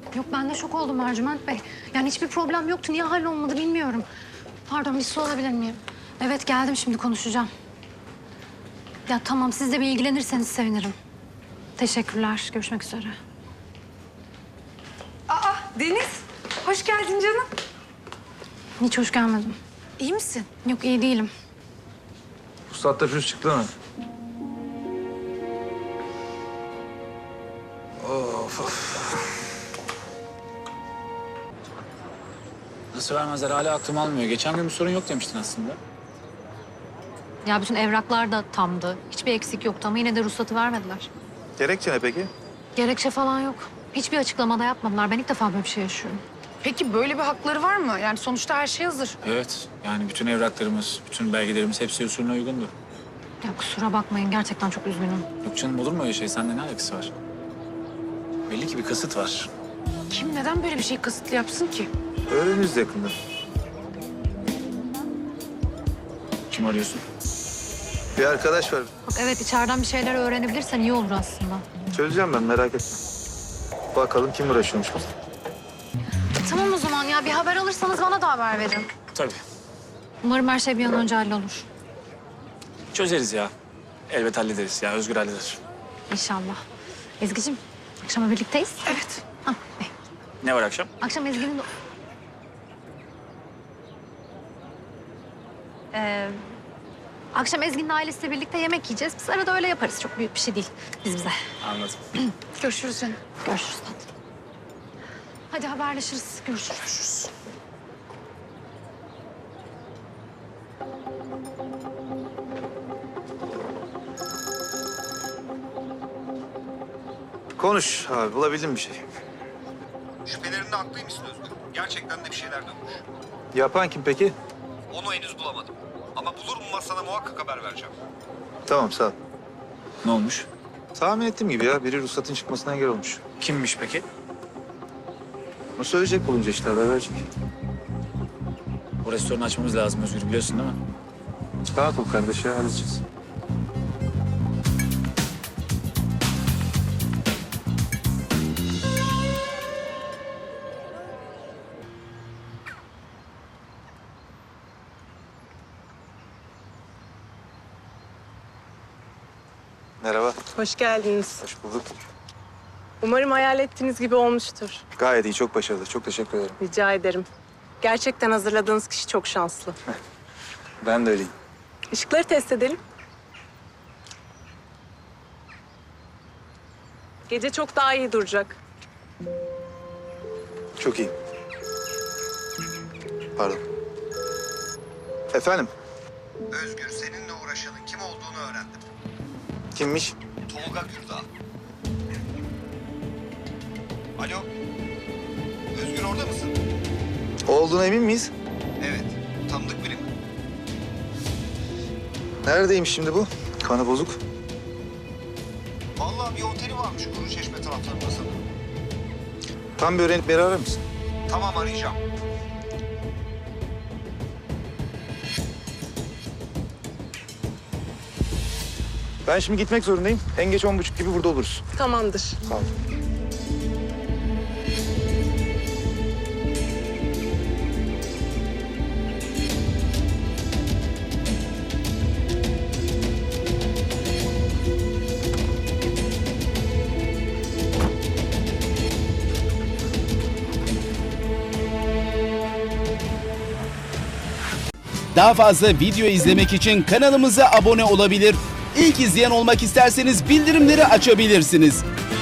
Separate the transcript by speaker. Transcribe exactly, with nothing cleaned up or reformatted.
Speaker 1: Yok ben de şok oldum Ercüment Bey. Yani hiçbir problem yoktu. Niye hallolmadı bilmiyorum. Pardon bir su alabilir miyim? Evet geldim şimdi konuşacağım. Ya tamam siz de bir ilgilenirseniz sevinirim. Teşekkürler. Görüşmek üzere.
Speaker 2: Aa Deniz, hoş geldin canım.
Speaker 1: Hiç hoş gelmedim.
Speaker 2: İyi misin?
Speaker 1: Yok iyi değilim.
Speaker 3: Bu saatte pürüz çıktı mı? Of of.
Speaker 4: Nasıl vermezler? Hala aklım almıyor. Geçen gün bir sorun yok demiştin aslında.
Speaker 1: Ya bütün evraklar da tamdı. Hiçbir eksik yoktu ama yine de ruhsatı vermediler.
Speaker 3: Gerekçe ne peki?
Speaker 1: Gerekçe falan yok. Hiçbir açıklama da yapmadılar. Ben ilk defa böyle bir şey yaşıyorum.
Speaker 2: Peki böyle bir hakları var mı? Yani sonuçta her şey hazır.
Speaker 4: Evet. Yani bütün evraklarımız, bütün belgelerimiz hepsi usulüne uygundu.
Speaker 1: Ya kusura bakmayın gerçekten çok üzgünüm.
Speaker 4: Yok canım olur mu öyle şey? Sende ne alakası var? Belli ki bir kasıt var.
Speaker 2: Kim neden böyle bir şey kasıtlı yapsın ki?
Speaker 3: Öğreniriz yakında.
Speaker 4: Kim arıyorsun?
Speaker 3: Bir arkadaş var.
Speaker 1: Bak evet içeriden bir şeyler öğrenebilirsen iyi olur aslında.
Speaker 3: Çözeceğim ben merak etme. Bakalım kim uğraşıyormuş biz.
Speaker 1: Tamam o zaman ya bir haber alırsanız bana da haber verin.
Speaker 4: Tabii.
Speaker 1: Umarım her şey bir an önce hallolur.
Speaker 4: Çözeriz ya. Elbet hallederiz ya. Özgür halleder.
Speaker 1: İnşallah. Ezgi'cim akşama birlikteyiz.
Speaker 2: Evet.
Speaker 1: Ah, eh.
Speaker 4: Ne var akşam?
Speaker 1: Akşam Ezgi'nin... Ee, akşam Ezgi'nin ailesiyle birlikte yemek yiyeceğiz. Biz arada öyle yaparız. Çok büyük bir şey değil biz bize.
Speaker 4: Anladım.
Speaker 2: Görüşürüz canım.
Speaker 1: Görüşürüz tatlım. Hadi haberleşiriz. Görüşürüz.
Speaker 4: Görüşürüz.
Speaker 3: Konuş abi bulabildin bir şey.
Speaker 5: Şüphelerinde haklıymışsın Özgür. Gerçekten de bir şeyler dönmüş.
Speaker 3: Yapan kim peki?
Speaker 5: Onu henüz bulamadım. Ama bulur mu sana muhakkak haber vereceğim.
Speaker 3: Tamam sağ ol.
Speaker 4: Ne olmuş?
Speaker 3: Tahmin ettiğim gibi ya biri ruhsatın çıkmasına engel olmuş.
Speaker 4: Kimmiş peki?
Speaker 3: O söyleyecek bulunca işte haber verecek.
Speaker 4: Bu restoranı açmamız lazım Özgür biliyorsun değil mi?
Speaker 3: Rahat ol kardeş ya halledeceğiz. Merhaba.
Speaker 6: Hoş geldiniz.
Speaker 3: Hoş bulduk.
Speaker 6: Umarım hayal ettiğiniz gibi olmuştur.
Speaker 3: Gayet iyi, çok başarılı. Çok teşekkür ederim.
Speaker 6: Rica ederim. Gerçekten hazırladığınız kişi çok şanslı.
Speaker 3: Ben de öyleyim.
Speaker 6: Işıkları test edelim. Gece çok daha iyi duracak.
Speaker 3: Çok iyi. Pardon. Efendim?
Speaker 5: Özgür, seninle uğraşanın kim olduğunu öğrendim.
Speaker 3: Kimmiş?
Speaker 5: Tolga Gürdağ. Alo? Özgür orada mısın?
Speaker 3: O olduğuna emin miyiz?
Speaker 5: Evet, tanıdık biri mi?
Speaker 3: Neredeymiş şimdi bu? Kanı bozuk.
Speaker 5: Vallahi bir oteli varmış Kuruçeşme taraflarında sanırım.
Speaker 3: Tam bir öğrenip beni arar mısın?
Speaker 5: Tamam, arayacağım.
Speaker 3: Ben şimdi gitmek zorundayım. En geç on buçuk gibi burada oluruz.
Speaker 6: Tamamdır.
Speaker 3: Sağ ol.
Speaker 7: Daha fazla video izlemek için kanalımıza abone olabilir. İlk izleyen olmak isterseniz bildirimleri açabilirsiniz.